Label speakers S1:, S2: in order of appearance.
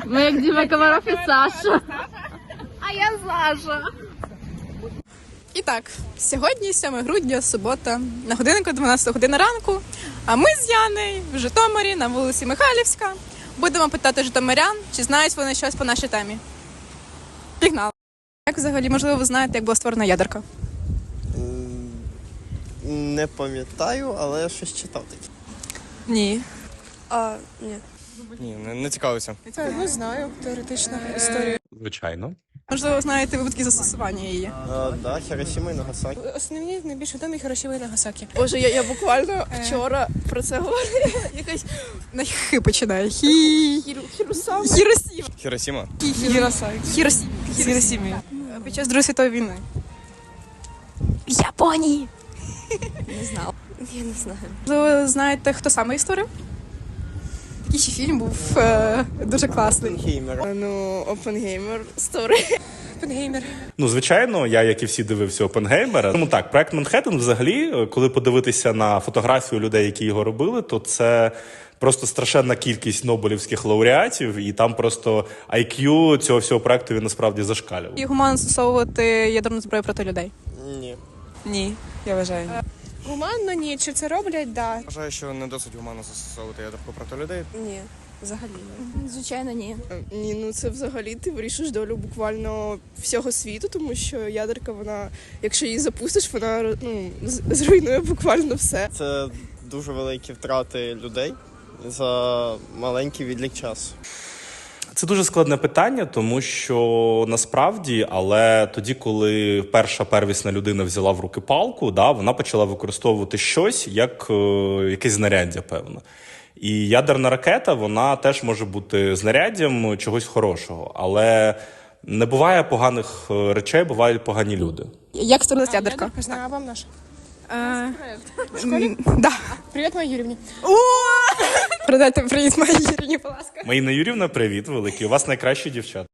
S1: Ми як Діма Комаров і Саша. А я Саша.
S2: І так, сьогодні 7 грудня, субота, на годиннику 12 година ранку, а ми з Яною в Житомирі на вулиці Михайлівська будемо питати житомирян, чи знають вони щось по нашій темі. Пігнали. Як взагалі, можливо, ви знаєте, як була створена ядерка?
S3: Не пам'ятаю, але щось читав таке.
S2: Ні.
S4: Ні, не цікавився.
S2: Не знаю, теоретична історія.
S5: Звичайно.
S2: Можливо, знаєте випадки застосування її.
S3: Да, Хіросіма і Нагасакі.
S2: Основні найбільш відомі Хіросіма і Нагасакі.
S6: Боже, я буквально вчора про це говорила. Якась
S2: На хи починає.
S6: Хіросама.
S2: Хіросіма.
S4: Хіросіма?
S2: Хіросіма. Під час Другої світової війни. В Японії.
S6: Не знала. Я не знаю.
S2: Ви знаєте, хто саме її створив? Такий ще фільм був дуже класний.
S3: Геймер.
S6: Ну, Опенгеймер створив.
S2: Опенгеймер.
S5: Ну, звичайно, я, як і всі, дивився Опенгеймера. Тому так, проект Манхеттен взагалі, коли подивитися на фотографію людей, які його робили, то це просто страшенна кількість нобелівських лауреатів, і там просто IQ цього всього проекту він насправді зашкалював.
S2: І гуманно застосовувати ядерну зброю проти людей?
S3: Ні.
S2: Ні, я вважаю.
S6: Гуманно ні. Чи це роблять? Да.
S4: Вважаю, що не досить гуманно застосовувати ядерку проти людей.
S6: Ні. Взагалі ні.
S1: Звичайно, ні.
S6: Ні, ну це взагалі ти вирішиш долю буквально всього світу, тому що ядерка, вона, якщо її запустиш, вона зруйнує буквально все.
S3: Це дуже великі втрати людей за маленький відлік часу.
S5: Це дуже складне питання, тому що насправді, але тоді, коли перша первісна людина взяла в руки палку, да, вона почала використовувати щось як якесь знаряддя, певно. І ядерна ракета, вона теж може бути знаряддям чогось хорошого, але не буває поганих речей, бувають погані люди.
S2: Як створилась ядерка?
S6: Знаю, а вам наша.
S2: В школі? Да.
S6: Привіт, моїй Юрівні.
S2: Передайте привіт моїй Ірині, будь ласка.
S5: Маїна Юрівна, привіт великий. У вас найкращі дівчата.